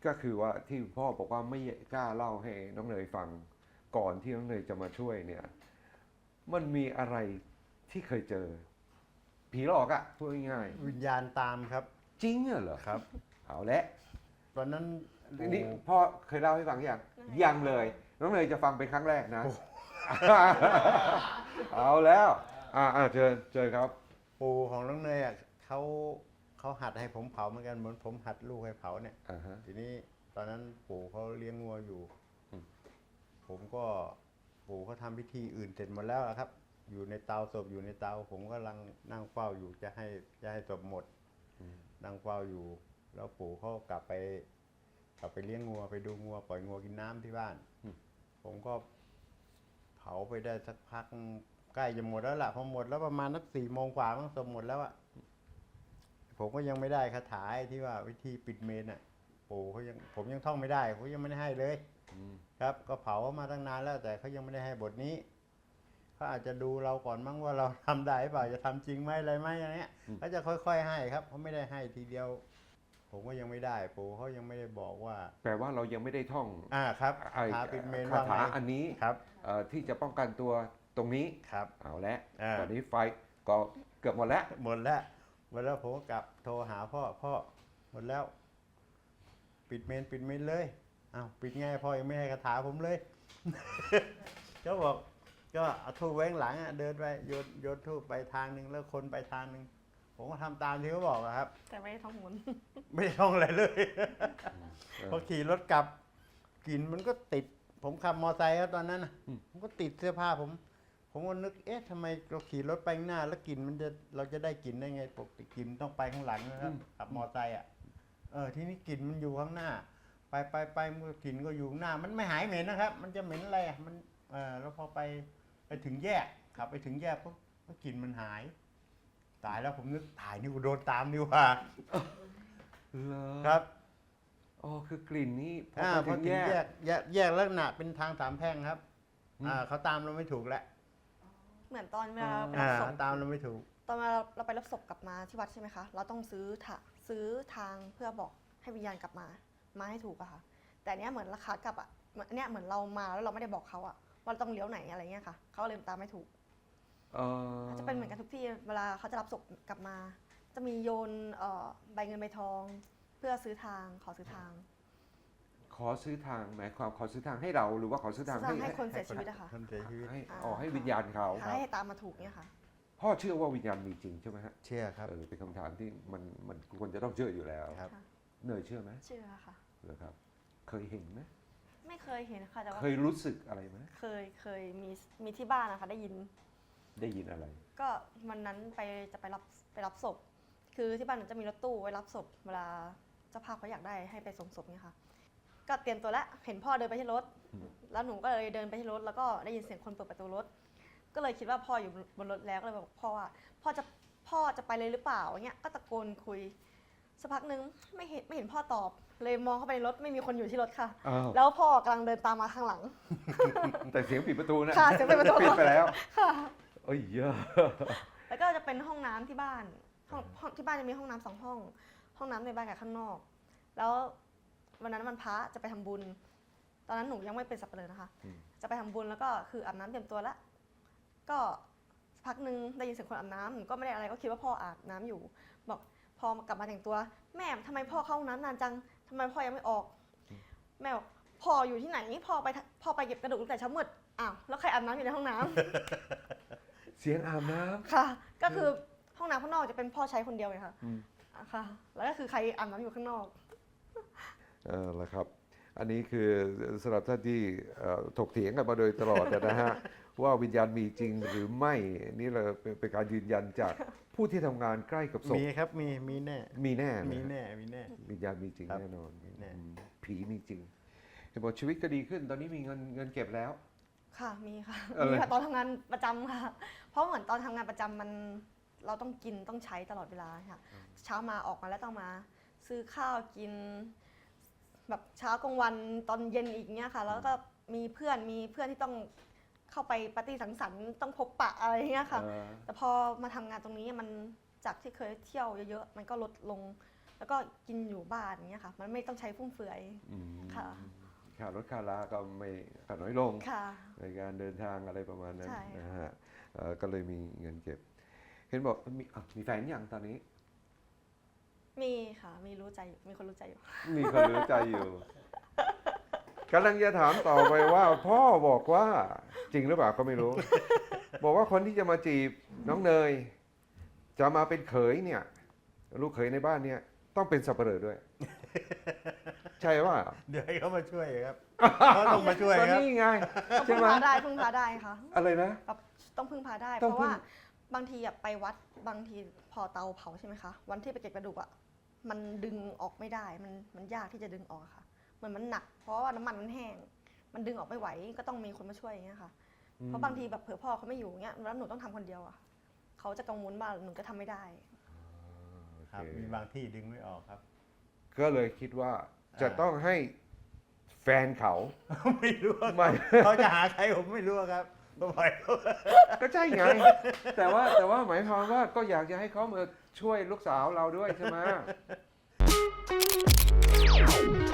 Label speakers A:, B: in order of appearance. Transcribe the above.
A: ก็คือว่าที่พ่อบอกว่าไม่กล้าเล่าให้น้องเนยฟังก่อนที่น้องเนยจะมาช่วยเนี่ยมันมีอะไรที่เคยเจอผีหลอกอะพูดง่าย
B: วิญญาณตามครับ
A: ๆจริงเหรอ
B: ครับ
A: เอาละ
B: ตอนนั้น
A: นี่พ่อเคยเล่าให้ฟังยังเลยน้องเนยจะฟังเป็นครั้งแรกนะ เอาแล้วเจอครับ
B: ปู่ของน้องเนยอ่ะเขาหัดให้ผมเผาเหมือนกันเหมือนผมหัดลูกให้เผาเนี่ยทีนี้ตอนนั้นปู่เขาเลี้ยงงัวอยู่ผมก็ปู่เขาทำพิธีอื่นเสร็จหมดแล้วครับอยู่ในเตาศพอยู่ในเตาผมก็กำลังนั่งเฝ้าอยู่จะให้ศพหมดนั่งเฝ้าอยู่แล้วปู่เขากลับไปเลี้ยงงัวไปดูงัวปล่อยงัวกินน้ำที่บ้านผมก็เผาไปได้สักพักใกล้จะหมดแล้วล่ะพอหมดแล้วประมาณนัก4 โมงกว่ามั้งศพหมดแล้วอะผมก็ยังไม่ได้คาถาที่ว่าวิธีปิดเมนอ่ะปู่ผมยังท่องไม่ได้เขายังไม่ได้ให้เลยครับก็เผามาตั้งนานแล้วแต่เขายังไม่ได้ให้บทนี้เขาอาจจะดูเราก่อนมั้งว่าเราทำได้หรือเปล่าจะทำจริงไหมอะไรไหมอย่างเงี้ยเขาจะค่อยๆให้ครับเขาไม่ได้ให้ทีเดียวผมก็ยังไม่ได้ปู่เขายังไม่ได้บอกว่า
A: แปลว่าเรายังไม่ได้ท่อง
B: ครับคาถาปิดเมน
A: คาถาอันนี้
B: ครับ
A: ที่จะป้องกันตัวตรงนี้
B: ครับ
A: เอาละตอนนี้ไฟก็เกือบหมดแล้ว
B: ผมก็กลับโทรหาพ่อหมดแล้วปิดเมนเลยอ้าวปิดไงพ่อยังไม่ให้คาถาผมเลย ก็บอกก็เอาทูบไว้ข้างหลังเดินไปโยนทูบไปทางนึงแล้วคนไปทางนึงผมก็ทำตามที่เขาบอกครับ
C: แต่ไม่ได้ท่องมนต์
B: ไม่ได้ท่องอะไรเลยพอขี่รถกลับกลิ่นมันก็ติดผมขับมอไซค์ครับตอนนั้นผมก็ติดเสื้อผ้าผมก็นึกทำไมเราขี่รถไปข้างหน้าแล้วกลิ่นเราจะได้กลิ่นได้ไงปกติกลิ่นต้องไปข้างหลังนะครับขับมอไซค์ที่นี่กลิ่นมันอยู่ข้างหน้าไปมันกลิ่นก็อยู่ข้างหน้ามันไม่หายเหม็นนะครับมันจะเหม็นอะไรมันแล้วพอไปถึงแยกขับไปถึงแยกปุ๊บกลิ่นมันหายตายแล้วผมนึกตายนี่กูโดนตามนี่ว่าครับ
A: อ๋อคือกลิ่นนี้
B: พอถึงแยกลักษณะเป็นทาง3 แพร่งครับเขาตามเราไม่ถูกแล้ว
C: เหมือนตอนเวลาไปรับศพ
B: ตามเราไม่ถูก
C: ตอนเราไปรับศพกลับมาที่วัดใช่ไหมคะเราต้องซื้อทางเพื่อบอกให้วิญญาณกลับมาให้ถูกอะค่ะแต่เนี้ยเหมือนราคากลับอะเนี้ยเหมือนเรามาแล้วเราไม่ได้บอกเขาอะว่าเราต้องเลี้ยวไหนอะไรเงี้ยค่ะเขาเลยตามไม่ถูกจะเป็นเหมือนกันทุกที่เวลาเขาจะรับศพกลับมาจะมีโยนใบเงินใบทองเพื่อซื้อทางขอซื้อทาง
A: หมายความขอซื้อทางให้เราหรือว่าขอซื้อทาง
C: ให้คนเสียชีวิตอะค่ะ
A: ให้วิญญาณเขา
C: ให้ตามมาถูกเนี่ยค่ะ
A: พ่อเชื่อว่าวิญญาณมีจริงใช่ไหมฮะ
B: เชื่อครับ
A: เป็นคำถามที่มันควรจะต้องเชื่ออยู่แล้วเนยเชื่อไหม
C: เชื่อค่ะ
A: เหรอครับเคยเห็นไหม
C: ไม่เคยเห็นค่ะแต่ว่า
A: เคยรู้สึกอะไรไหม
C: เคยมีที่บ้านนะคะได้ยิน
A: อะไร
C: ก็วันนั้นจะไปรับศพคือที่บ้านจะมีรถตู้ไว้รับศพเวลาเจ้าภาพเขาอยากได้ให้ไปส่งศพเนี่ยค่ะก็เตรียมตัวแล้วเห็นพ่อเดินไปที่รถแล้วหนูก็เลยเดินไปที่รถแล้วก็ได้ยินเสียงคนเปิดประตูรถก็เลยคิดว่าพ่ออยู่บนรถแล้วก็เลยบอกพ่อว่าพ่อจะไปเลยหรือเปล่าเงี้ยก็ตะโกนคุยสักพักนึงไม่เห็นพ่อตอบเลยมองเข้าไปในรถไม่มีคนอยู่ที่รถค่ะแล้วพ่อกำลังเดินตามมาข้างหลัง
A: แต่เสียงปิดประตูนะ
C: ค่ะเสียงปิดประตู
A: ปิดไปแล้ว
C: ค่ะ
A: เอ้ยเยอะ
C: แล้วก็จะเป็นห้องน้ำที่บ้านที่บ้านจะมีห้องน้ำ2 ห้องน้ำในบ้านกับข้างนอกแล้ววันนั้นวันพระจะไปทำบุญตอนนั้นหนูยังไม่เป็นสับเปลือนะคะจะไปทำบุญแล้วก็คืออาบน้ำเตรียมตัวแล้วก็พักนึงได้ยินเสียงคนอาบน้ำหนูก็ไม่ได้อะไรก็คิดว่าพ่ออาบน้ำอยู่บอกพอกลับมาแต่งตัวแม่ทำไมพ่อเข้าห้องน้ำนานจังทำไมพ่อยังไม่ออกแม่บอกพ่ออยู่ที่ไหนพ่อไปเก็บกระดูกตั้งแต่เช้ามืดอ้าวแล้วใครอาบน้ำอยู่ในห้องน้ำ
A: เสียงอาบน้ำ
C: ค่ะก็คือห้องน้ำข้างนอกจะเป็นพ่อใช้คนเดียวเลยค่ะค่ะแล้วก็คือใครอาบน้ำอยู่ข้างนอก
A: แล้วครับอันนี้คือสำหรับท่านที่ถกเถียงกันมาโดยตลอดนะฮะว่าวิญญาณมีจริงหรือไม่นี่เราเป็นการยืนยันจากผู้ที่ทำงานใกล้กับศพ
B: มีครับมีแน่
A: มีแน่วิญญาณมีจริงแน่นอนผีมีจริงเห็นบอกชีวิตก็ดีขึ้นตอนนี้มีเงินเก็บแล้ว
C: ค่ะมีค่ะตอนทำงานประจำค่ะเพราะเหมือนตอนทำงานประจำเราต้องกินต้องใช้ตลอดเวลาค่ะเช้ามาออกมาแล้วต้องมาซื้อข้าวกินแบบเช้ากลางวันตอนเย็นอีกเนี้ยค่ะแล้วก็มีเพื่อนที่ต้องเข้าไปปาร์ตี้สังสรรค์ต้องพบปะอะไรเงี้ยค่ะแต่พอมาทำงานตรงนี้มันจากที่เคยเที่ยวเยอะๆมันก็ลดลงแล้วก็กินอยู่บ้านอย่างเงี้ยค่ะ มันไม่ต้องใช้ฟุ่มเฟือย
A: อืม
C: ค่ะ
A: ค่ารถค่าลาก็ไม่ค่าน้อยลง
C: ค่ะ
A: ในการเดินทางอะไรประมาณนั้น
C: ใช่ค่ะ
A: นะฮะก็เลยมีเงินเก็บ เห็นบอกมีแฟนยังตอนนี้
C: มีค่ะ มีรู้ใจอยู่มีคนรู้ใจอยู่
A: มีคนรู้ใจอยู่กำลังจะถามต่อไปว่า พ่อบอกว่าจริงหรือเปล่าก็ไม่รู้ บอกว่าคนที่จะมาจีบน้องเนย จะมาเป็นเขยเนี่ย ลูกเขยในบ้านเนี่ยต้องเป็นสับเปลือด้วย ใช่ว่า
B: เดี๋ยวให้เขามาช่วยครับ เขาต้องมาช่วย
A: ก็
B: ครับ
A: นี่ไง
C: ต้อง
A: ใช่
C: พึ่ง
A: ไหม
C: พาได้พึ่งพาได้ค่ะ
A: อะไรนะ
C: แบบต้องพึ่งพาได้
A: ต้
C: เพ
A: อง
C: ราะ
A: พึ่ง
C: ว่าบางทีอะไปวัดบางทีพอเตาเผาใช่ไหมคะ วันที่ไปเก็บกระดูกอะมันดึงออกไม่ได้ มันยากที่จะดึงออกอะค่ะเหมือนมันหนัก เพราะว่าน้ำมันมันแห้ง มันดึงออกไม่ไหวก็ต้องมีคนมาช่วยอย่างเงี้ยค่ะ เพราะบางทีแบบเผื่อพ่อเขาไม่อยู่เงี้ยแล้วหนูต้องทำคนเดียวอะเขาจะกังวลว่าหนูจะทำไม่ได้
B: ครับ มีบางที่ดึงไม่ออกครับ
A: ก็เลยคิดว่าจะต้องให้แฟนเขา
B: ไม่รู้ว่า
A: ไม่
B: เขาจะหาใครผมไม่รู้ครับก็ปล่อยเขา
A: ก็ใช่ไง แต่ว่าหมายความว่าก็อยากจะให้เขามาช่วยลูกสาวเราด้วยใช่ไหม